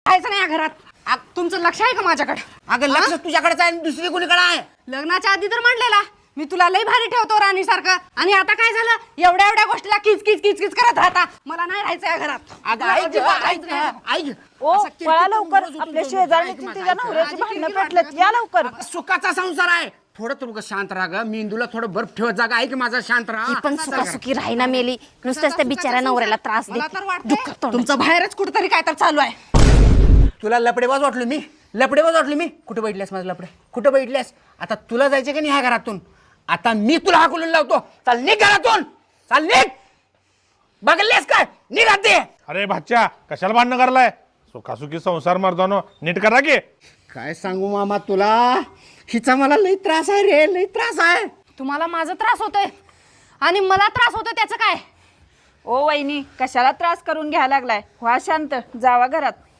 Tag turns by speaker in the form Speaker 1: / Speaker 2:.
Speaker 1: राहायचं नाही या घरात. तुमचं लक्ष आहे का माझ्याकडे?
Speaker 2: अगं लक्ष तुझ्याकडेच आहे, दुसरी कोणीकडे आहे?
Speaker 1: लग्नाच्या आधी तर म्हणलेला मी तुला लई भारी ठेवतो राणी सारखं, आणि आता काय झालं? एवढ्या एवढ्या गोष्टीला किच किच किच किच करत राहता. मला नाही राहायचं या घरात.
Speaker 2: अगं ऐक ऐक
Speaker 3: ओ पळा लवकर, आपल्या शेजारची तिच्या नवऱ्याची भांडणं पेटलेत, या लवकर.
Speaker 2: सुखाचा संसार आहे. थोडं तू शांत राहा ग. मेंदूला थोडं बर्फ ठेवत जागा. ऐक माझा, शांत
Speaker 4: ती
Speaker 2: राहा.
Speaker 4: पण सुखासुखी राहीना मेली, नुसतंच त्या बिचाऱ्या नवऱ्याला त्रास
Speaker 1: मला
Speaker 4: देते.
Speaker 1: तर वाटतं तुमचं बाहेरच कुठतरी काय तर चालू आहे.
Speaker 2: तुला लपडेबाज वाटलो मी? लपडेबाज वाटलो मी? कुठे बैठल्यास माझं लपडे? कुठे बैठल्यास? आता तुला जायचं की नाही ह्या घरातून? आता मी तुला हाकलून लावतो. चाल निघ घरातून, चाल निघ. बघलेस काय? निघ ते.
Speaker 5: अरे भाच्या, कशाला भांडणं करलाय? सुखासुखी संसार मर्दानो, नीट करा की.
Speaker 2: काय सांगू मामा तुला, हिचा मला लई त्रास आहे रे, लई त्रास आहे.
Speaker 1: तुम्हाला माझा त्रास होतोय आणि मला त्रास होतोय, त्याचं काय?
Speaker 3: ओ वहिनी, कशाला त्रास करून घ्यायला लागलाय? व्हा शांत, जावा घरात.